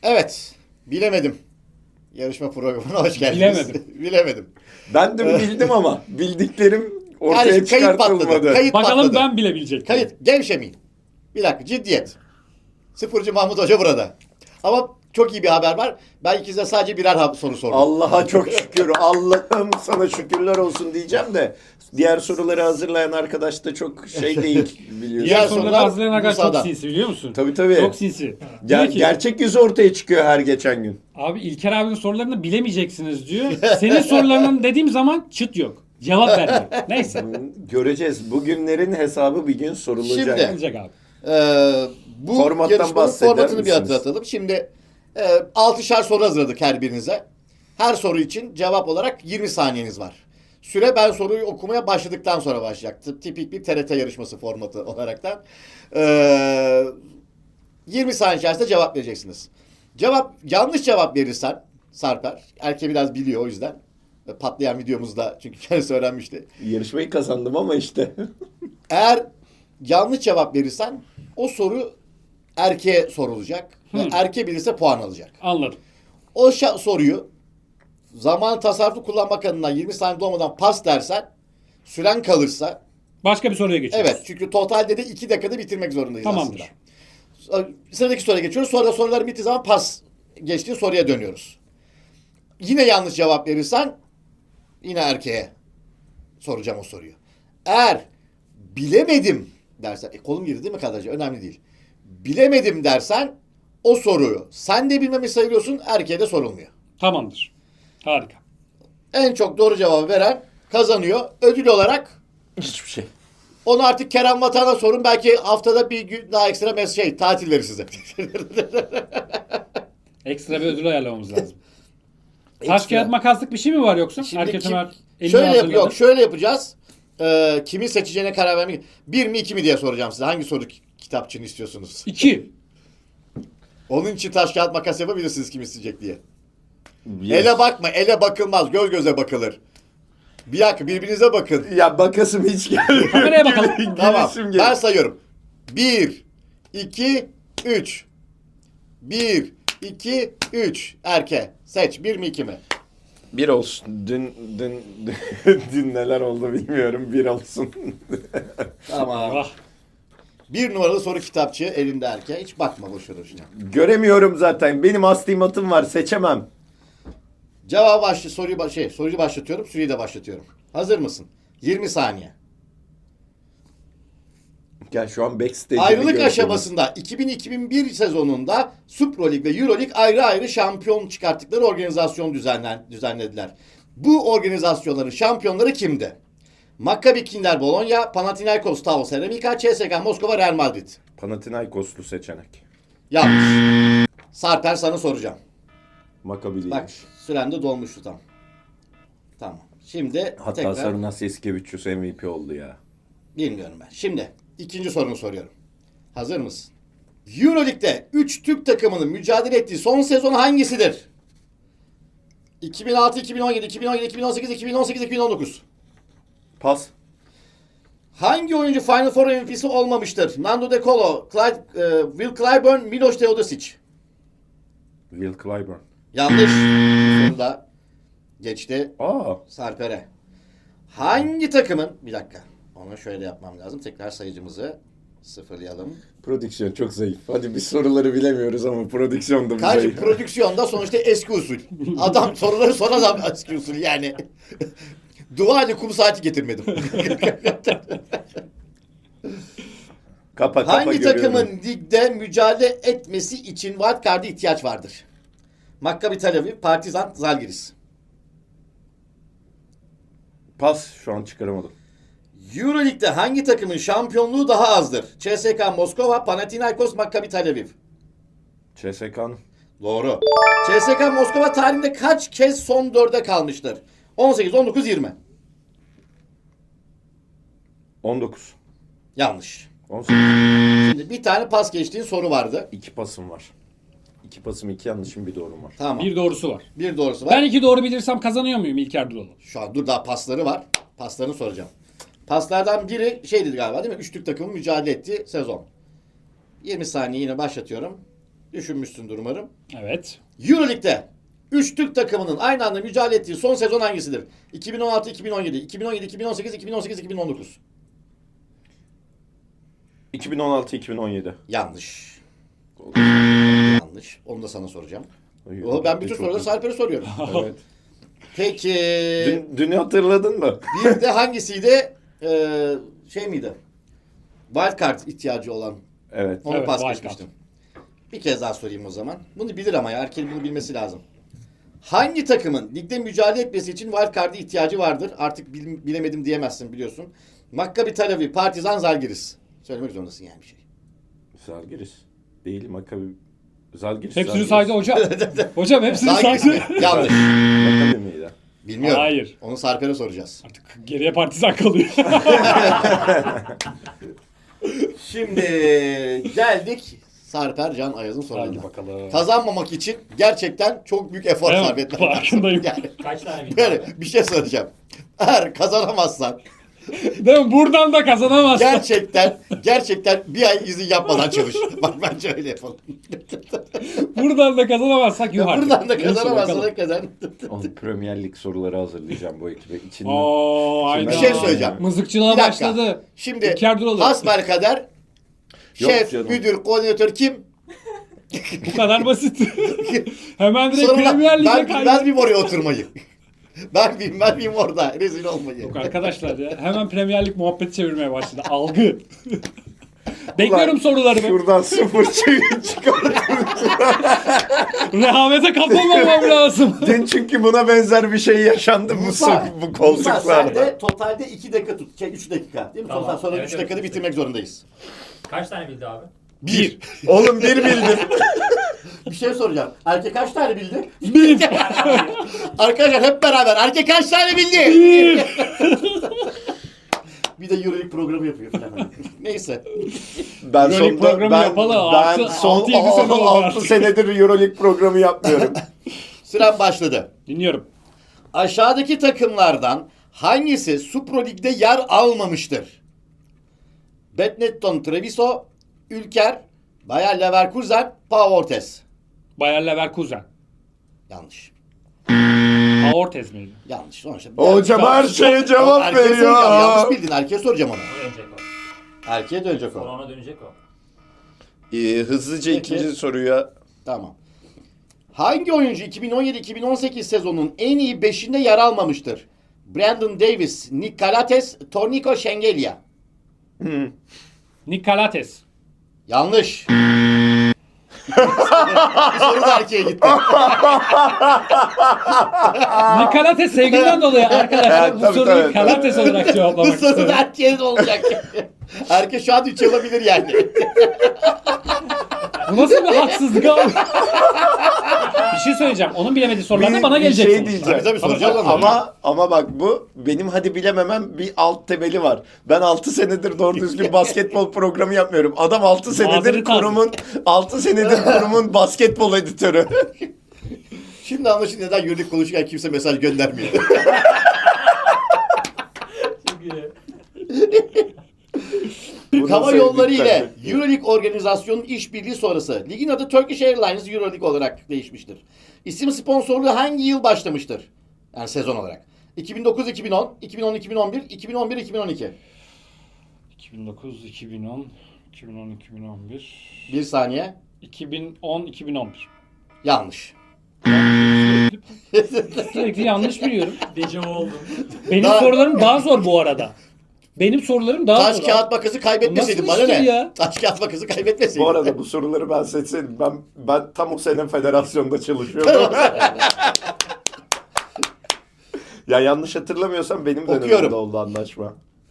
Evet. Bilemedim. Yarışma programına hoş geldiniz. Bilemedim. Bilemedim. Ben de bildim ama bildiklerim ortaya Kayıt çıkartılmadı. patladı. Kayıt Bakalım patladı. ben bilebilecek miyim? Kayıt. Gevşemeyin. Bir dakika. Ciddiyet. Sıfırcı Mahmut Hoca burada. Ama çok iyi bir haber var. Ben ikinize sadece birer soru sordum. Allah'a çok şükür. Allah'ım sana şükürler olsun diyeceğim de diğer soruları hazırlayan arkadaş da çok şey değil biliyorsun. Diğer Diğer soruları sorular hazırlayan arkadaş çok Musa'dan. sinsi biliyor musun? Tabii. Çok sinsi. Diyor ki, Gerçek yüzü ortaya çıkıyor her geçen gün. abi İlker abinin sorularını bilemeyeceksiniz diyor. Senin sorularının dediğim zaman çıt yok. Cevap vermiyor. Neyse. Göreceğiz. Bugünlerin hesabı bir gün sorulacak. Şimdi- Olacak abi. Bu Formattan yarışmanın bahseder formatını bir misiniz? hatırlatalım. Şimdi 6'şar soru hazırladık her birinize. Her soru için cevap olarak 20 saniyeniz var. Süre ben soruyu okumaya başladıktan sonra başlayacaktı. Tipik bir TRT yarışması formatı olaraktan. 20 saniye içerisinde cevap vereceksiniz. Yanlış cevap verirsen Sarper, erkeği biraz biliyor o yüzden. Patlayan videomuzda çünkü kendisi öğrenmişti. Yarışmayı kazandım ama işte. Eğer yanlış cevap verirsen o soru erkeğe sorulacak. Ve erkeğe bilirse puan alacak. Anladım. O soruyu zaman tasarruflu kullanmak adına 20 saniye dolmadan pas dersen süren kalırsa Başka bir soruya geçiyoruz. evet çünkü totalde de 2 dakikada bitirmek zorundayız Tamamdır. aslında. Sıradaki soruya geçiyoruz. Sonra soruların bittiği zaman pas geçtiği soruya dönüyoruz. Yine yanlış cevap verirsen yine erkeğe soracağım o soruyu. Eğer bilemedim dersen, kolum girdi değil mi kadraja? Önemli değil. Bilemedim dersen o soruyu sen de bilmemi sayılıyorsun, erkeğe de sorulmuyor. Tamamdır. Harika. En çok doğru cevabı veren kazanıyor. Ödül olarak Hiçbir şey. onu artık Kerem Vatan'a sorun. Belki haftada bir gün daha ekstra tatil verir size. Ekstra bir ödül ayarlamamız lazım. Taş Ekstra. kağıt makaslık bir şey mi var yoksa? Şimdi Erkek Ömer elini şöyle hazırladı. yok, şöyle yapacağız. Kimin seçeceğine karar vermek. 1 mi 2 mi diye soracağım size. Hangi soru kitapçığını istiyorsunuz? 2. Onun için taş kağıt makas yapabilirsiniz kim isteyecek diye. Yes. Ele bakma, ele bakılmaz. Göz göze bakılır. Bir dakika birbirinize bakın. Ya bakasım hiç gelmiyor. Kameraya bakalım. Tamam. Gülesim geliyor. Ben sayıyorum. 1, 2, 3. 1, 2, 3. Erke. Seç. 1 mi 2 mi? Bir olsun. Dün neler oldu bilmiyorum. Bir olsun. Tamam. Ah. 1 numaralı soru kitapçığı elinde erke. Hiç bakma boşuna. Göremiyorum zaten. Benim astigmatım var. Seçemem. Soruyu başlatıyorum. Süreyi de başlatıyorum. Hazır mısın? 20 saniye. Gel şu an backstage'imi Ayrılık görüyorum. aşamasında 2000-2001 sezonunda Supra Lig ve Euro Lig ayrı ayrı şampiyon çıkarttıkları organizasyon düzenlediler. Bu organizasyonların şampiyonları kimdi? Maccabi Kinder Bologna, Panathinaikos Tau Ceramika, CSKA Moskova, Real Madrid. Panathinaikoslu seçenek. Yanlış. Sarper sana soracağım. Maccabi değilmiş. Bak süren de dolmuştu tam. Tamam. Şimdi Hatta tekrar Sarunas Yasikevicius MVP oldu ya. bilmiyorum ben. Şimdi ikinci sorunu soruyorum. Hazır mısın? Euroleague'de 3 Türk takımının mücadele ettiği son sezon hangisidir? 2006, 2017, 2017, 2018, 2018, 2019. Pas. Hangi oyuncu Final Four MVP'si olmamıştır? Nando De Colo, Will Clyburn, Miloš Teodosic. Will Clyburn. Yanlış. Bu soru da geçti Sarper'e. Hangi takımın... Bir dakika. Onu şöyle yapmam lazım. Tekrar sayıcımızı sıfırlayalım. Prodüksiyon çok zayıf. Hadi biz soruları bilemiyoruz ama prodüksiyon da bir Karşı zayıf. prodüksiyonda sonuçta eski usul. Adam soruları son adam eski usul yani. Dua Ali kum saati getirmedim. Kapa Hangi görüyorum. takımın ligde mücadele etmesi için wildcard'a ihtiyaç vardır? Maccabi Tel Aviv, Partizan, Zalgiris. Pas şu an çıkaramadım. Euroleague'de hangi takımın şampiyonluğu daha azdır? CSKA Moskova, Panathinaikos, Maccabi Tel Aviv. CSK'nın. Doğru. CSKA Moskova tarihinde kaç kez son 4'e kalmıştır? 18, 19, 20. 19. Yanlış. 18. Şimdi bir tane pas geçtiğin soru vardı. 2 pasım var. 2 pasım 2 yanlışım bir doğrum var. Tamam. Bir doğrusu var. Bir doğrusu var. Ben 2 doğru bilirsem kazanıyor muyum İlker Duroğlu? Şu an dur daha pasları var. Paslarını soracağım. Paslardan biri şeydi galiba değil mi? 3 Türk takımın mücadele ettiği sezon. 20 saniye yine başlatıyorum. Düşünmüşsündür umarım. Evet. Euroleague'de 3 Türk takımının aynı anda mücadele ettiği son sezon hangisidir? 2016-2017, 2017-2018, 2018-2019. 2016-2017. Yanlış. Yanlış. Onu da sana soracağım. Ben bütün Çok soruları iyi. Sarper'e soruyorum. Evet. Peki Dünü hatırladın mı? bir de hangisiydi? Şey miydi? Wildcard ihtiyacı olan. Evet. Onu Evet, pas wildcard. geçmiştim. Bir kez daha sorayım o zaman. Bunu bilir ama ya. Erkeğin bunu bilmesi lazım. Hangi takımın ligde mücadele etmesi için wildcard'a ihtiyacı vardır? Artık bilemedim diyemezsin biliyorsun. Maccabi Tel Aviv, Partizan, Zalgiris. Söylemek zorundasın yani bir şey. Zalgiris. Değil Maccabi. Zalgiris. Hepsini saydı hocam. Hocam hepsini Zalgiris saydı. mi? Yanlış. Maccabi miydi? Bilmiyorum. Hayır. Onu Sarper'e soracağız. Artık geriye Partizan kalıyor. Şimdi geldik Sarper Can Ayaz'ın Hadi sorularına. bakalım. Kazanmamak için gerçekten çok büyük efor Evet, sarf etmen lazım. farkındayım. Yani Kaç tane bildin? böyle bir şey söyleyeceğim. Eğer kazanamazsan Değil mi? Buradan da kazanamazsın. gerçekten bir ay izin yapmadan çalış. Bak bence öyle yapalım. Buradan da kazanamazsak yuh artık. Buradan da Neyse, kazanamazsan bakalım. hakikaten. Onun Premier Lig soruları hazırlayacağım bu ekibe. İçinden. Oo, hayda. Bir şey söyleyeceğim. Mızıkçılığa Bir dakika. başladı. Şimdi İlker Duralı. hasbelkader Yok şef, canım. müdür, koordinatör kim? Bu kadar basit. Hemen direkt Sonra Premier Lig'e ben bilmez kaydı. miyim oraya oturmayı? Ben bilmez miyim orada rezil olmayı? Yok arkadaşlar ya. Hemen Premier Lig muhabbeti çevirmeye başladı. Algı. Bekliyorum sorularımı. Şuradan sıfır çıkar. Rehavete kapılmamam lazım. Dün çünkü buna benzer bir şey yaşandı bu Musa, bu Musa sen koltuklarda. de totalde 2 dakika tut. 3 dakika değil mi? Tamam, Sonra evet, 3 dakikada evet. bitirmek zorundayız. Kaç tane bildi abi? 1. Oğlum bir bildim. Bir şey soracağım. Erkek kaç tane bildi? Bir. Arkadaşlar hep beraber. Erkek kaç tane bildi? Bir. Bir de Euroleague programı yapıyor falan. Neyse. Ben Euroleague programı yapalı. Ben Altı- son 6-7 sene oldu 6 artık. senedir Euroleague programı yapmıyorum. Süren başladı. Dinliyorum. Aşağıdaki takımlardan hangisi Supro Lig'de yer almamıştır? Benetton Treviso, Ülker, Bayer Leverkusen, Pau Ortez. Bayer Leverkusen. Yanlış. Aortez miydi? Yanlış. Sonuçta. Hocam her şeye cevap Erkeğe veriyor. soracağım. Yanlış bildin. Erkeğe soracağım onu. Dönecek o. Erkeğe dönecek Sonra o. ona dönecek o. Hızlıca Peki. ikinci soruya. Tamam. Hangi oyuncu 2017-2018 sezonunun en iyi 5'inde yer almamıştır? Brandon Davis, Nick Calates, Torniko Shengelia. Nick Calates. Yanlış. Bir soru da erkeğe gitti. Nick Calates sevgimden dolayı arkadaşlar bu Tabii, soruyu tabii. Calates olarak Bu cevaplamak soru da istiyorum. erkeğe de olacak. Erkek şu an 3 yapabilir yani. Bu nasıl bir haksızlık abi? Bir şey söyleyeceğim. Onun bilemediği sorular da bana gelecek şey sonuçta. diyeceğim. Tabii, soracağız onu. Ama bak bu benim hadi bilememem bir alt temeli var. Ben 6 senedir doğru düzgün basketbol programı yapmıyorum. Adam 6 senedir Mazeret kurumun 6 senedir kurumun basketbol editörü. Şimdi anlaşıldı neden yürüdük konuşurken kimse mesaj göndermiyor. Çok iyi. Bunu Hava sevdik yolları ile tabii. Euroleague organizasyonun işbirliği sonrası ligin adı Turkish Airlines Euroleague olarak değişmiştir. İsim sponsorluğu hangi yıl başlamıştır? Yani sezon olarak. 2009-2010, 2010-2011, 2011-2012. 2009, 2010, 2010, 2011, Bir saniye. 2010, 2011. Yanlış. Sürekli yanlış biliyorum. Dejavu oldum. Benim Daha- sorularım daha zor bu arada. Benim sorularım daha Taş zor. kağıt makası kaybetmeseydin Nasıl bana iştir ne? ya? Taş kağıt makası kaybetmeseydin. Bu arada bu soruları ben seçseydim ben tam o sene federasyonda çalışıyordum. Ya yanlış hatırlamıyorsam benim Okuyorum. dönemimde oldu anlaşma.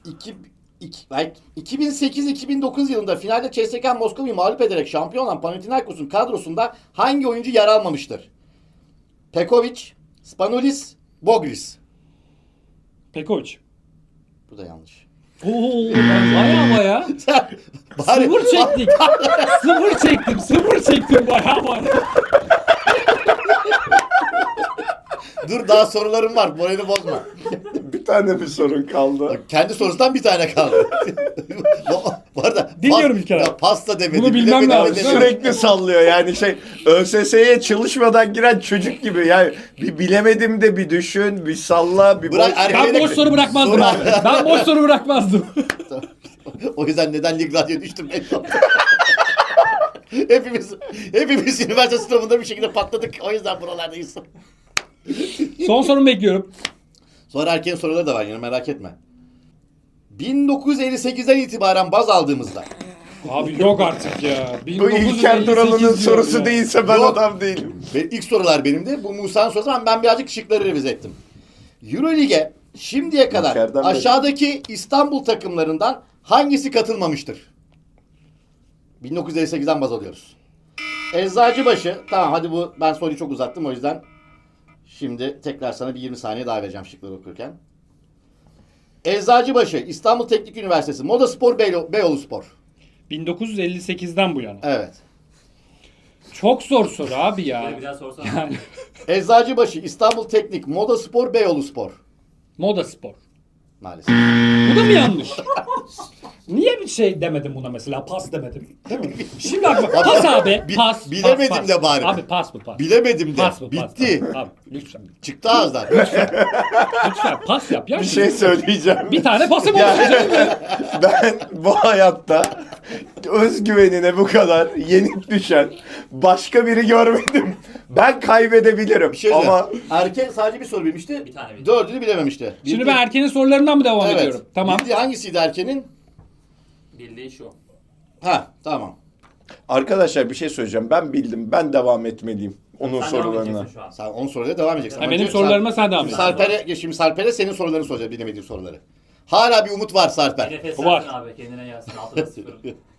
2008-2009 yılında finalde CSKA Moskova'yı mağlup ederek şampiyon olan Panathinaikos'un kadrosunda hangi oyuncu yer almamıştır? Pekovic, Spanulis, Bogris. Pekovic. Bu da yanlış. Oo, baya. Bari, Sıfır çektik. Sıfır çektim baya. dur daha sorularım var. Moralini bozma. Bir tane bir sorun kaldı. Kendi sorusundan bir tane kaldı. Bu arada Dinliyorum İlker abi. Ya pasta demedi. Bunu bilmem bilemedi, lazım. demedi. Sürekli sallıyor yani ÖSS'ye çalışmadan giren çocuk gibi. Yani bir bilemedim de bir düşün, bir salla, bir Bırak boş- erkeğe- Ben boş soru bırakmazdım abi. Ben boş soru bırakmazdım. O yüzden neden Lig Radyo'ya düştüm ben. hepimiz üniversite sınavında bir şekilde patladık. O yüzden buralardayız. Son sorumu bekliyorum. Sonra erkeğin soruları da var yine merak etme. 1958'den itibaren baz aldığımızda Abi yok artık ya. Bu İlker 1958 Duralı'nın diyor sorusu ya. değilse ben Yok. adam değilim. ve ilk sorular benimdi. Bu Musa'nın sorusu ama ben birazcık şıkları revize ettim. Euroleague'e şimdiye kadar İlker'den beri. aşağıdaki İstanbul takımlarından hangisi katılmamıştır? 1958'den baz alıyoruz. Eczacıbaşı. Tamam hadi ben soruyu çok uzattım o yüzden. Şimdi tekrar sana bir 20 saniye daha vereceğim şıkları okurken. Eczacıbaşı, İstanbul Teknik Üniversitesi, Moda Spor, Beyoğlu Spor. 1958'den bu yana. Evet. Çok zor soru abi Bir ya. daha sorsana. Yani Eczacıbaşı, İstanbul Teknik, Moda Spor, Beyoğlu Spor. moda spor. Maalesef. Bu da mı yanlış? Niye bir şey demedim buna mesela? Pas demedim. Değil mi? Şimdi bak pas abi. Pas. bilemedim pas. de bari. Abi pas bu pas. Bilemedim de. Pas bu pas. Bitti. Pas. Abi lütfen. Çıktı ağızdan. Lütfen pas yap ya. Bir şey söyleyeceğim. Bir tane pasım Ya- olsun canım ya. Ben bu hayatta özgüvenine bu kadar yenik düşen başka biri görmedim. Ben kaybedebilirim Bir şey ama ama erkek sadece bir soru bilmişti. Bir tane bildi. Dördünü bilememişti. Şimdi ben Erken'in sorularından mı devam evet. ediyorum? Tamam. Bildiği hangisiydi erkenin? Bildiği şu. Ha tamam. arkadaşlar bir şey söyleyeceğim. Ben bildim. Ben devam etmeliyim onun Sen devam sorularına. edeceksin şu an. Sen 10 soruyla devam edeceksin. Ha, Ama benim önce sorularıma sen devam et. Şimdi Sarper'e senin sorularını soracağız bilemediğin soruları. Hala bir umut var Bir Sarper. nefes Var. versin abi. Kendine gelsin. 6'da 0.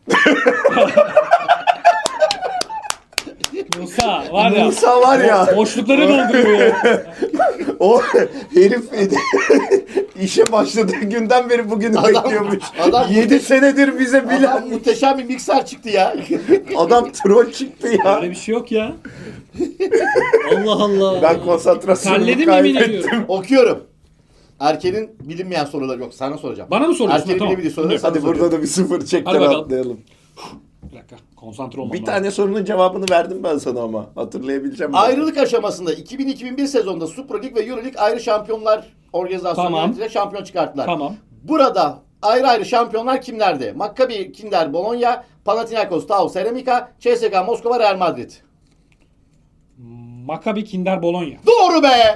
Musa var ya. Musa var ya. Boşlukları dolduruyor ya. O herif işe başladığı günden beri bugünü Adam- bekliyormuş. adam- 7 senedir bize bilen Adam muhteşem bir mikser çıktı ya. adam troll çıktı ya. Öyle bir şey yok ya. Allah Allah. Ben konsantrasyonumu Terledim yemin kaybettim. ediyorum. Okuyorum. Erkenin bilinmeyen soruları yok. Sana soracağım. Bana mı soruyorsun? Erkeğin Tamam. bilebildiği soruları sana Hadi burada soruyorum. da bir sıfır Hadi çekten bakalım. atlayalım. Bir dakika. Konsantre olmam Bir lazım. tane sorunun cevabını verdim ben sana ama. Hatırlayabileceğim mi? Ayrılık aşamasında 2000-2001 sezonunda Super Lig ve Euro Lig ayrı şampiyonlar organizasyonu Tamam. yöneticiyle şampiyon çıkarttılar. Tamam. Burada ayrı ayrı şampiyonlar kimlerdi? Maccabi Kinder Bologna, Panathinaikos Tau Ceramika, CSKA Moskova Real Madrid. Maccabi Kinder Bologna. Doğru be!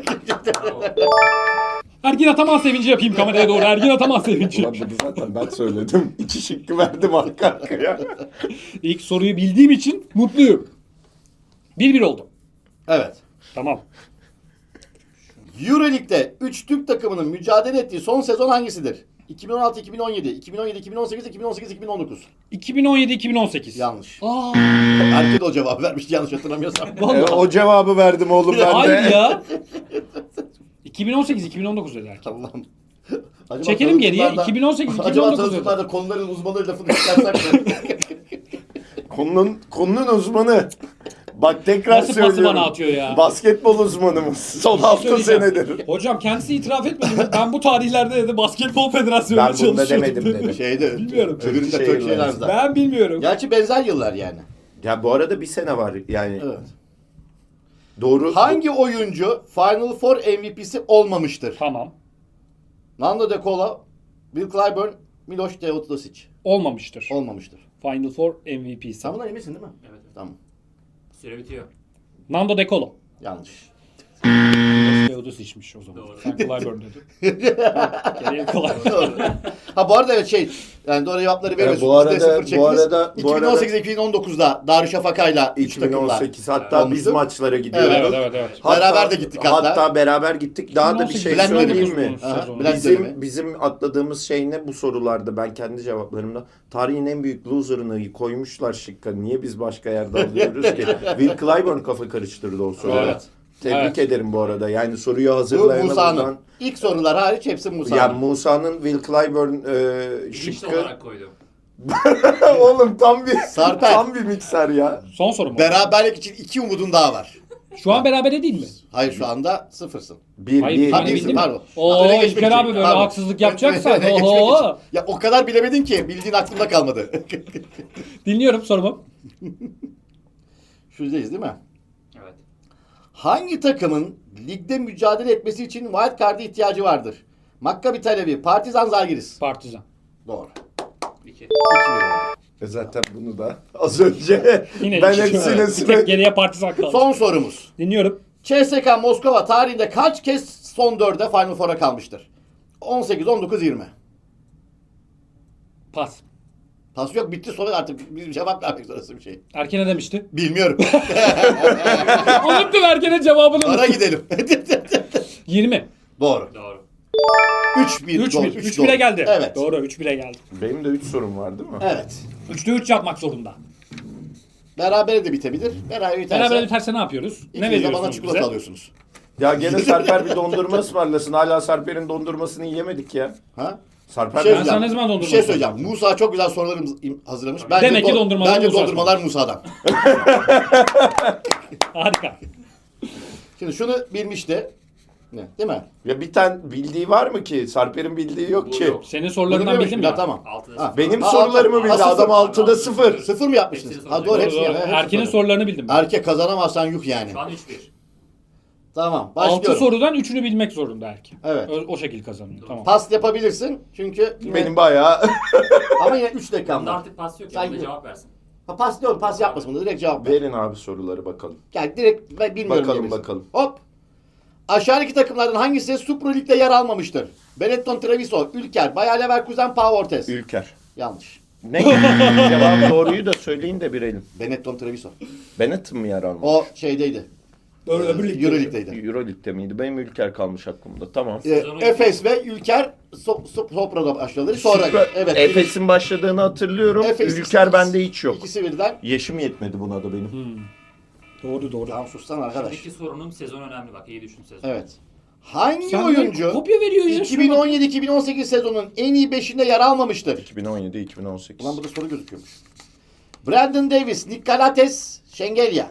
Ergin Ataman sevinci yapayım kameraya doğru. Ergin Ataman sevinci. Ulan bunu zaten ben söyledim. 2 şıkkı verdim arka arkaya. İlk soruyu bildiğim için mutluyum. 1-1 oldu. Evet. Tamam. Euroleague'de 3 Türk takımının mücadele ettiği son sezon hangisidir? 2016-2017, 2017-2018, 2018-2019. 2017-2018. Yanlış. Aa, Erkek de o cevabı vermişti yanlış hatırlamıyorsam. vallahi. O cevabı verdim oğlum ben de. Hayır ya. 2018-2019 dedi erkek. Allah'ım. Acaba Çekelim geriye. tanıtımlarda- 2018-2019 Acaba dedi. tanıtımlarda konuların uzmanı lafını çıkarsak mı? Konunun uzmanı. Bak tekrar Nasıl pası söylüyorum. bana atıyor ya? Basketbol uzmanımız. Son 6 Söyleyeceğim. senedir. Hocam kendisi itiraf etmedi mi? Ben bu tarihlerde dedi Basketbol Federasyonu'nda Ben bunda çalışıyordum demedim dedi. dedi. Şeyde, Bilmiyorum. öbüründe Şey Türk var. şeylerde. Ben bilmiyorum. Gerçi benzer yıllar yani. Ya bu arada bir sene var yani. Evet. Doğru. Hangi oyuncu Final Four MVP'si olmamıştır? Tamam. Nando De Colo, Bill Clyburn, Miloš Teodosic. Olmamıştır. Olmamıştır. Final Four MVP'si. Sen bundan eminsin değil mi? Evet. Tamam. Süre bitiyor. Nando De Colo. Yanlış. Teodos içmiş o zaman. Doğru. Sen Clyburn dedin. Geriye Clyburn. Doğru. Ha bu arada evet yani doğru cevapları veriyorsunuz. bu arada- Biz de sıfır bu çektiniz. arada- 2018-2019'da Darüşşafaka'yla 3 takımla 2018 hatta biz olmuştu. maçlara gidiyoruz. Evet. Beraber de gittik hatta. Hatta beraber gittik. Daha da bir 2018 şey Bülent söyleyeyim dönemi mi? bu Aha, sezon. Bülent dönemi. Bizim atladığımız şey ne bu sorularda ben kendi cevaplarımda tarihin en büyük loser'ını koymuşlar şıkka. Niye biz başka yerde alıyoruz ki? Will Clyburn kafa karıştırdı o soruda. Evet. Tebrik Evet. ederim bu arada. Yani soruyu Bu hazırlayana Musa'nın. buradan. İlk sorular hariç hepsi Musa'nın. Ya Musa'nın Will Clyburn Bilinçli şıkkı. olarak koydum. Oğlum tam bir Sarper. tam bir mikser ya. Son soru mu? Beraberlik için 2 umudun daha var. Şu an berabere değil mi? Hayır şu anda sıfırsın. Bir, Hayır, bir, ben bir- bildim. pardon. Oo, Öne geçmek İlker için. abi böyle Pardon. haksızlık yapacaksan. Öne geçmek Oho. için. Ya o kadar bilemedin ki bildiğin aklımda kalmadı. Dinliyorum sorumu. Şuradayız değil mi? Evet. Hangi takımın ligde mücadele etmesi için wild card'a ihtiyacı vardır? Maccabi Tel Aviv, Partizan, Zalgiris. Partizan. Doğru. 2. 2-1 oldu. Zaten bunu da az önce Yine ben iki- hepsine Bir sıra... tek geriye Partizan kaldı. Son sorumuz. Dinliyorum. CSKA Moskova tarihinde kaç kez son dörde Final Four'a kalmıştır? 18, 19, 20. Pas. Pas yok, bitti, soru artık bir cevap vermek zorundasın bir şey. Erken'e demişti. Bilmiyorum. Unuttum Erken'e cevabını. Ara gidelim. 20. Doğru. Doğru. 3-1. 3 doğru, 1 üç 3 doğru. 1'e geldi. Evet. Doğru 3 1'e geldi. Benim de 3 sorum var değil mi? Evet. 3'te 3 yapmak zorunda. Berabere de bitebilir. Beraber biterse. Beraber biterse ne yapıyoruz? Ne İkiniz de bana veriyorsunuz çikolata bize? alıyorsunuz. Ya gene Sarper bir dondurma ısmarlasın. Hala Sarper'in dondurmasını yiyemedik ya. Ha? Sarper Bir şey Ben sana ne söyleyeceğim. zaman Bir dondurma şey söyleyeceğim. ısmarlayacağım? Musa çok güzel sorular hazırlamış. Demek ki dondurmalar Bence Musa dondurmalar Musa'dan. Harika. Şimdi şunu bilmişti. Ne? Değil mi? Ya bir tane bildiği var mı ki? Sarper'in bildiği yok Bu ki. yok. Senin Bunu sorularından biliyormuş bildim bir daha, ya. tamam. 6'da Ha. 0. Benim Ha, sorularımı altı- bildi. ha, Adam sıfır. 6'da 0. Sıfır mı yapmıştınız? Hepsini Ha doğru Doğru, hepsini. doğru. Hepsini Erken'in soruyorum. sorularını bildim. Erkek kazanamazsan yuh yani. Şu an 3-1. Tamam 6 başlıyorum. sorudan 3'ünü bilmek zorunda Erken. Evet. O şekil kazanıyor. Tamam. Pas yapabilirsin çünkü Benim bayağı... ama yine 3 dakikam Bunda var. artık pas yok. Sen Ya. Bunda gir. cevap versin. Ha, pas diyorum, pas yapmasın bunu, direkt cevap ver. Verin abi soruları bakalım. Yani direkt ben bilmiyorum Bakalım, diyebilirsin. bakalım. Hop. Aşağıdaki takımlardan hangisi Super Lig'de yer almamıştır? Benetton Treviso, Ülker, Bayer Leverkusen, Pau Ortez. Ülker. Yanlış. Ne? Cevabı doğruyu da söyleyin de bilelim. Benetton Treviso. Benetton mı yer almış? O şeydeydi. Doğru, öbür ligde. Euro Lig'deydi. Euroleague'de miydi? Benim Ülker kalmış aklımda. Tamam. Sezonu Efes ve Ülker Sopra'da başladılar. Sonra evet. Efes'in başladığını hatırlıyorum. Efes Ülker ikisi- bende hiç yok. İkisi birden. Yaşım yetmedi buna da benim. Doğru doğru. Tamam sustan arkadaş. Şimdiki sorunun sezon önemli bak. İyi düşün sezon. Evet. Hangi Sen oyuncu kopya veriyor ya. şuna bak. 2017-2018 sezonun en iyi 5'inde yer almamıştır? 2017-2018. Ulan burada soru gözüküyormuş. Brandon Davis, Nick Galates, Şengelya.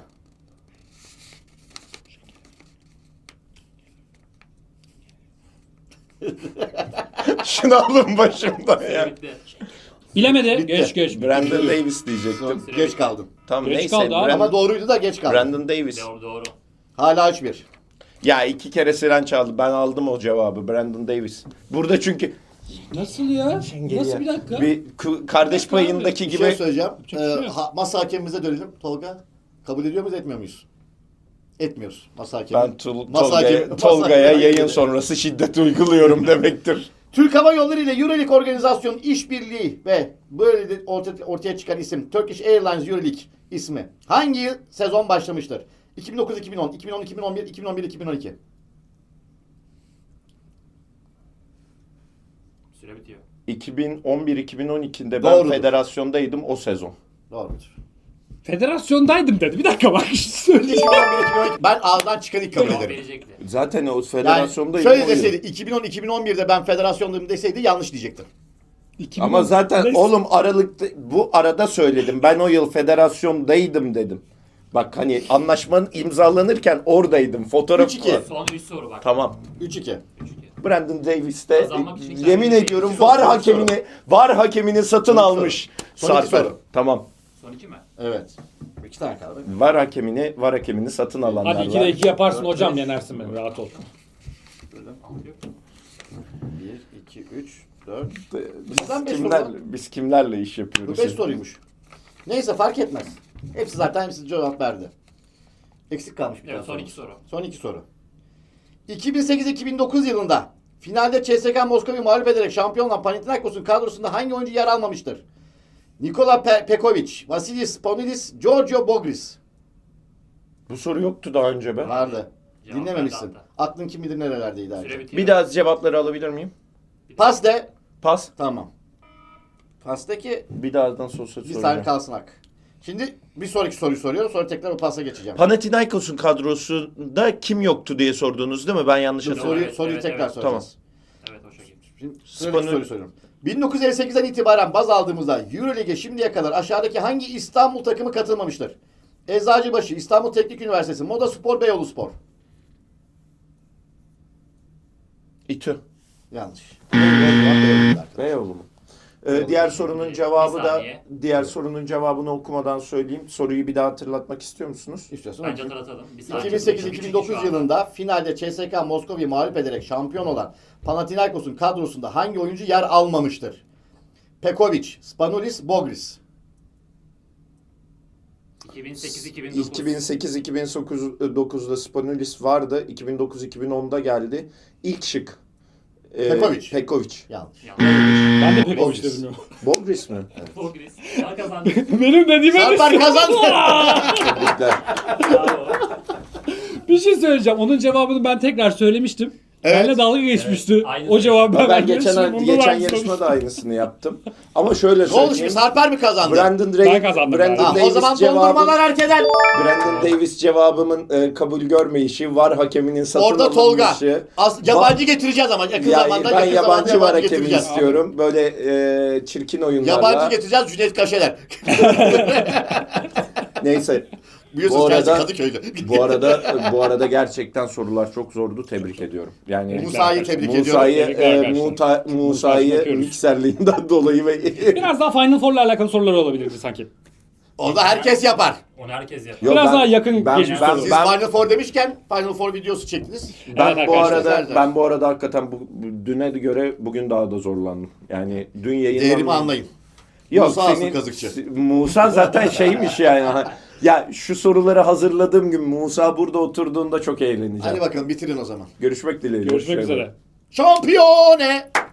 Şunu alın başımdan Süre ya. bitti. Bilemedi. Bitti. Geç. Brandon Davis diyecektim. Geç kaldın. Tamam Geç neyse. kaldı abi. Ama doğruydu da geç kaldın. Brandon Davis. Doğru doğru. Hala 3-1. Ya 2 kere Siren çaldı. Ben aldım o cevabı. Brandon Davis. Burada çünkü Nasıl ya? Nasıl bir dakika? bir kardeş Bir dakika abi. payındaki Bir gibi şey söyleyeceğim. Çok şey yok. Masa hakemimize dönelim. Tolga, kabul ediyor muyuz, etmiyor muyuz? Etmiyoruz. Masa hakemi. ben Masa hakemi- masa Tolga'ya hakemi- yayın sonrası şiddet uyguluyorum demektir. Türk Hava Yolları ile Euroleague organizasyonun işbirliği ve böyle de ortaya çıkan isim Turkish Airlines Euroleague ismi hangi yıl sezon başlamıştır? 2009-2010, 2010-2011, 2011-2012. Süre bitiyor. 2011-2012'de ben Doğrudur. federasyondaydım o sezon. Doğrudur. Federasyondaydım dedi. Bir dakika bak. Söyleyeyim. 2011-2012 ben ağızdan çıkan ilk kabul Cevap ederim. verecekti. Zaten o Yani federasyondaydım. şöyle o yıl. deseydi 2010-2011'de ben federasyondayım deseydi yanlış diyecektim. Ama zaten Neyse. oğlum Aralık'ta bu arada söyledim. Ben o yıl federasyondaydım dedim. Bak hani anlaşmanın imzalanırken oradaydım. Fotoğraf 3-2. var. Son 3 soru bak. Tamam. 3-2. 3-2. Brandon Davis de Kazanmak için kendini yemin ediyorum Son iki var hakemini satın Son iki almış. soru. Son iki Sarper. soru. Tamam. Son 2 mi? Evet. 2 tane kaldı. Var hakemini satın alanlar Hadi var. 2'de 2 yaparsın Dört, hocam beş. yenersin beni rahat ol. Altı yok. 1, 2, 3, 4. Biz Bizden beş kimler, soru biz kimlerle iş Bu yapıyoruz? 5 soruymuş. Neyse fark etmez. Hepsi cevap verdi. Eksik kalmış bir Evet son tane 2 soru. Son 2 soru. 2008-2009 yılında finalde CSKA Moskova'yı mağlup ederek şampiyon olan Panathinaikos'un kadrosunda hangi oyuncu yer almamıştır? Nikola Pekovic, Vasilis Ponidis, Giorgio Bogris. Bu soru yoktu daha önce be. Vardı. Cevap Dinlememişsin. verdi Aklın kim bilir nerelerdeydi Süre artık. bitiyor. Bir daha cevapları alabilir miyim? Pas de. Pas. Tamam. Pastaki Bir dağdan sosyal bir soracağım. saniye kalsın hak. Şimdi bir sonraki soruyu soruyorum. Sonra tekrar o pasa geçeceğim. Panathinaikos'un kadrosunda kim yoktu diye sordunuz değil mi? Ben yanlış Dur, hatırlıyorum. soruyu Evet, tekrar evet. soracağız. Evet o şekilde. Şimdi sıradaki Spanu- soruyu soruyorum. 1958'den itibaren baz aldığımızda Euroleague'e şimdiye kadar aşağıdaki hangi İstanbul takımı katılmamıştır? Eczacıbaşı, İstanbul Teknik Üniversitesi, Moda Spor, Beyoğlu Spor. İTÜ. Yanlış. Beyoğlu. Beyoğlu mu? Diğer sorunun cevabı Bir da saniye. diğer sorunun cevabını okumadan söyleyeyim. Soruyu bir daha hatırlatmak istiyor musunuz? İstiyorsun. Bence okuyayım. hatırlatalım. Bir saniye. 2008-2009 yılında finalde CSKA Moskova'yı mağlup ederek şampiyon olan Panathinaikos'un kadrosunda hangi oyuncu yer almamıştır? Pekovic, Spanulis, Bogris. 2008-2009. 2008-2009'da Spanulis vardı. 2009-2010'da geldi. İlk şık. Pekovic. Pekovic. Yanlış. Ben de Pekovic Bogris. dedim ya. Bogris mi? Bogris. Daha kazandı. Benim dediğime Sarper kazandı. Tebrikler. Bravo. Bir şey söyleyeceğim. Onun cevabını ben tekrar söylemiştim. Evet. Benle dalga geçmişti. Evet, aynı O cevabı Ben ben geçen vermiştim, geçen ondan yarışmada aynısını yaptım. Ama şöyle Ne oldu şimdi? söyleyeyim. Sarper mi kazandı? Brandon Ben kazandım Brandon galiba. Tamam, o zaman Davis cevabı, dondurmalar herkeden. Brandon Davis cevabımın kabul görmeyişi, var hakeminin satın Orada Tolga. alınmışı. Yabancı getireceğiz ama yakın Ya, zamanda. ben yakın yabancı zamanda var hakemi getireceğiz. istiyorum. Böyle çirkin oyunlarla. Yabancı getireceğiz Cüneyt Kaşeler. Neyse. Biliyorsunuz Bu kendisi arada- Kadıköy'de. Bu arada gerçekten sorular çok zordu. Tebrik ediyorum. Yani Musa'yı tebrik ediyorum. Musa'yı Tebrikler arkadaşlar. Musa'yı öpüyoruz. mikserliğinden dolayı ve Biraz daha Final Four'la alakalı sorular olabilirdi sanki. Orada herkes yapar. Onu herkes yapar. Yok, Biraz daha yakın geçmiş ben, olur. Siz ben, Final Four demişken Final Four videosu çektiniz. ben Evet bu arkadaşlar. arada hakikaten düne göre bugün daha da zorlandım. Yani dün yayınlandı. Değerimi anlayın. Yok, Musa asıl kazıkçı. Musa zaten şeymiş yani. Ya şu soruları hazırladığım gün Musa burada oturduğunda çok eğleneceğim. Hadi bakalım bitirin o zaman. Görüşmek dileğiyle. Görüşmek Hoşça kalın. üzere. Şampiyone!